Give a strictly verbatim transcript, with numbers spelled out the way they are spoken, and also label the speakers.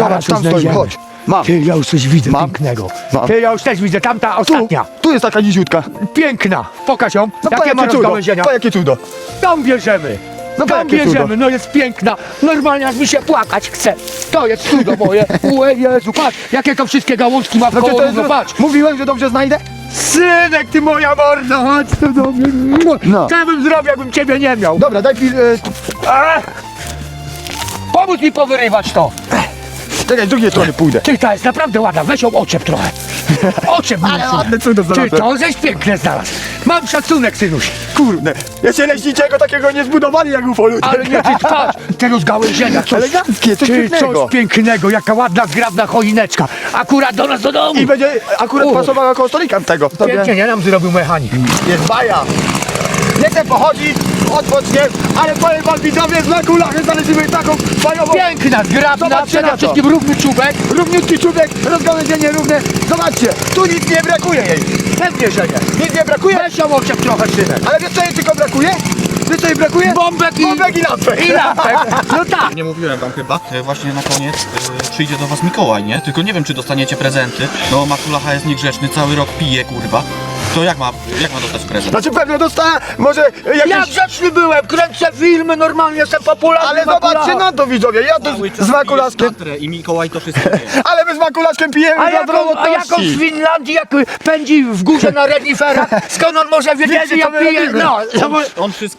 Speaker 1: Zobacz, tam stoi, chodź. Mam.
Speaker 2: Ty, ja już coś widzę
Speaker 1: Mam.
Speaker 2: pięknego.
Speaker 1: Mam.
Speaker 2: Ty, ja już też widzę, tamta
Speaker 1: Tu,
Speaker 2: ostatnia.
Speaker 1: tu jest taka niziutka.
Speaker 2: Piękna. Pokaż ją.
Speaker 1: No
Speaker 2: Jakie ma
Speaker 1: jakie cudo,
Speaker 2: rozgałęzienia.
Speaker 1: po jakie cudo.
Speaker 2: Tam bierzemy.
Speaker 1: No po
Speaker 2: Tam
Speaker 1: jakie
Speaker 2: bierzemy,
Speaker 1: cudo.
Speaker 2: no jest piękna. Normalnie aż mi się płakać chce. To jest cudo moje. Ue Jezu, patrz, jakie to wszystkie gałązki ma w
Speaker 1: No,
Speaker 2: koło,
Speaker 1: to jest,
Speaker 2: no patrz.
Speaker 1: mówiłem, że dobrze znajdę?
Speaker 2: Synek, ty moja morda, chodź tu do mnie.
Speaker 1: No.
Speaker 2: Co ja bym zrobił, jakbym ciebie nie miał?
Speaker 1: Dobra, daj pil... E,
Speaker 2: Ach! Pomóż mi powyrywać to.
Speaker 1: czekaj, z drugiej strony pójdę.
Speaker 2: Ty, ta jest naprawdę ładna, weź ją oczep trochę. Oczep mi.
Speaker 1: Ale ładne cudo
Speaker 2: Ty,
Speaker 1: znalazłem.
Speaker 2: to żeś piękne znalazł. Mam szacunek, synuś.
Speaker 1: Kurde, jeszcze leśniczego takiego nie zbudowali jak ufolutek.
Speaker 2: Ale nie, ty patrz, te rozgałęzienia, coś,
Speaker 1: Eleganckie, coś
Speaker 2: ty,
Speaker 1: pięknego.
Speaker 2: coś pięknego, jaka ładna, zgrabna choineczka. Akurat do nas do domu.
Speaker 1: I będzie akurat
Speaker 2: U.
Speaker 1: pasowała koło stolika tego. Tobie
Speaker 2: Pięknie, nie nam zrobił mechanik.
Speaker 1: jest baja. Nie chcę pochodzić, odpocznie, ale powiem wam widzowie, z Makulachy znaleźliśmy taką bajową...
Speaker 2: Piękna, zgrabna,
Speaker 1: Zobaczcie
Speaker 2: przede
Speaker 1: na to.
Speaker 2: wszystkim równy czubek.
Speaker 1: Równiutki czubek, rozgałęzienie równe. Zobaczcie, tu nic nie brakuje jej.
Speaker 2: Pewnie, że nie.
Speaker 1: Nic nie brakuje,
Speaker 2: Weź ją oczep trochę, synek.
Speaker 1: ale wiesz co jej tylko brakuje? Wiesz co jej brakuje?
Speaker 2: Bombek i...
Speaker 1: Bombek i lampek.
Speaker 2: I lampek. No tak.
Speaker 3: Nie mówiłem wam chyba, e, właśnie na koniec e, przyjdzie do was Mikołaj, nie? Tylko nie wiem, czy dostaniecie prezenty. No, Makulacha jest niegrzeczny, cały rok pije, kurwa. To jak ma, jak ma dostać prezent?
Speaker 1: Znaczy pewnie dostała, może
Speaker 2: Ja
Speaker 1: jakieś...
Speaker 2: grzeczny byłem, kręcę filmy, normalnie jestem popularny.
Speaker 1: Ale
Speaker 2: Makulacha.
Speaker 1: zobaczcie na to widzowie, ja tu
Speaker 3: Cały
Speaker 1: z,
Speaker 3: czas
Speaker 1: z Makulaszkiem,
Speaker 3: pijesz tatrę i Mikołaj to wszystko wie.
Speaker 1: ale my z Makulaszkiem pijemy
Speaker 2: A
Speaker 1: dla
Speaker 2: jaką, a jaką z
Speaker 1: zdrowotności.
Speaker 2: Finlandii, jak pędzi w górze na reniferach? Skąd on może wiedzieć,
Speaker 1: Wiecie,
Speaker 2: że ja
Speaker 1: co my
Speaker 2: piję?
Speaker 1: robimy.
Speaker 2: No,
Speaker 3: On, on wszystko